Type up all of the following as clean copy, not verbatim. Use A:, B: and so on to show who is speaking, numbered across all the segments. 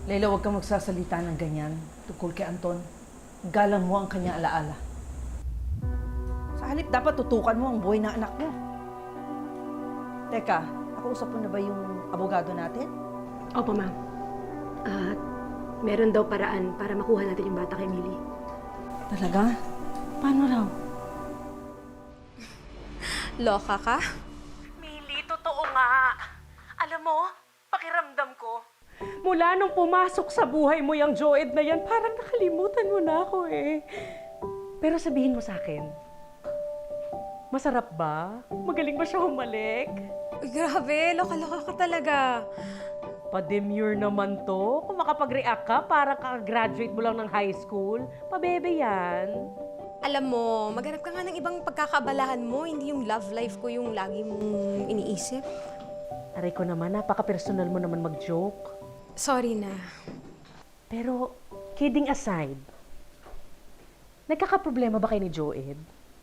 A: Leila, huwag kang magsasalita ng ganyan tungkol kay Anton. Galang mo ang kanyang alaala. Sa halip, dapat tutukan mo ang buhay ng anak mo. Teka, nakausap mo na ba yung abogado natin?
B: Opo, ma'am. At meron daw paraan para makuha natin yung bata kay Millie.
A: Talaga? Paano raw?
C: Loka ka?
D: Mili, totoo nga. Alam mo, pakiramdam ko. Mula nung pumasok sa buhay mo yung Joed na yan, parang nakalimutan mo na ako eh. Pero sabihin mo sa akin, masarap ba? Magaling ba siya humalik?
C: Uy, grabe, loka-loka ka talaga.
D: Pa-demure naman to. Kung makapag-react ka, parang kaka-graduate mo lang ng high school. Pabebe yan.
C: Alam mo, maghanap ka nga ng ibang pagkakabalahan mo, hindi yung love life ko yung lagi mong iniisip.
D: Aray ko naman, napaka-personal mo naman mag-joke.
C: Sorry na.
D: Pero, kidding aside, nagkakaproblema ba kayo ni Joed?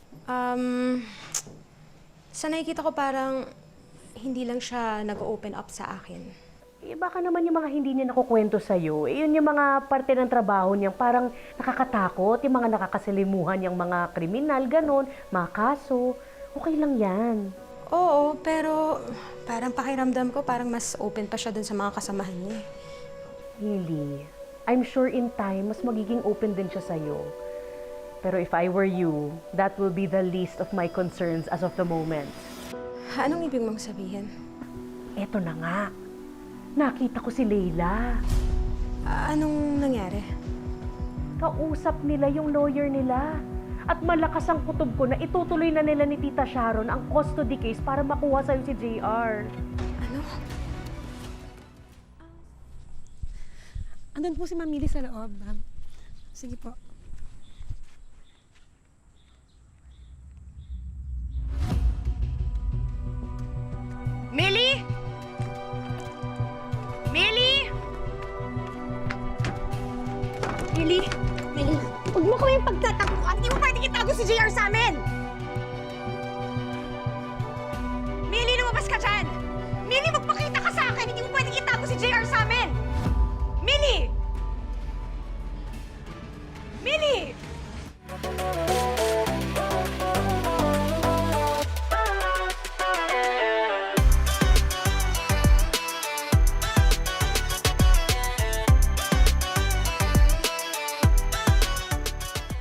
C: Sa nakikita ko parang hindi lang siya nag-open up sa akin.
D: Eh, baka naman yung mga hindi niya nakukwento sa'yo, eh, yun yung mga parte ng trabaho niya, parang nakakatakot, yung mga nakakasalimuhan, yung mga kriminal, ganon, mga kaso. Okay lang yan.
C: Oo, pero parang pakiramdam ko parang mas open pa siya dun sa mga kasamahan niya.
D: Really, I'm sure in time, mas magiging open din siya sa'yo. Pero if I were you, that will be the least of my concerns as of the moment.
C: Anong ibig mong sabihin?
D: Eto na nga. Nakita ko si Leila.
C: Anong nangyari?
D: Kausap nila yung lawyer nila. At malakas ang kutob ko na itutuloy na nila ni Tita Sharon ang custody case para makuha sa'yo si JR.
C: Ano?
B: Andun po si Ma'am Millie sa loob, ma'am. Sige po.
D: Millie! Millie!
B: Millie! Millie, huwag mo kami pagtatakuan. Hindi mo pwede itago si JR sa amin!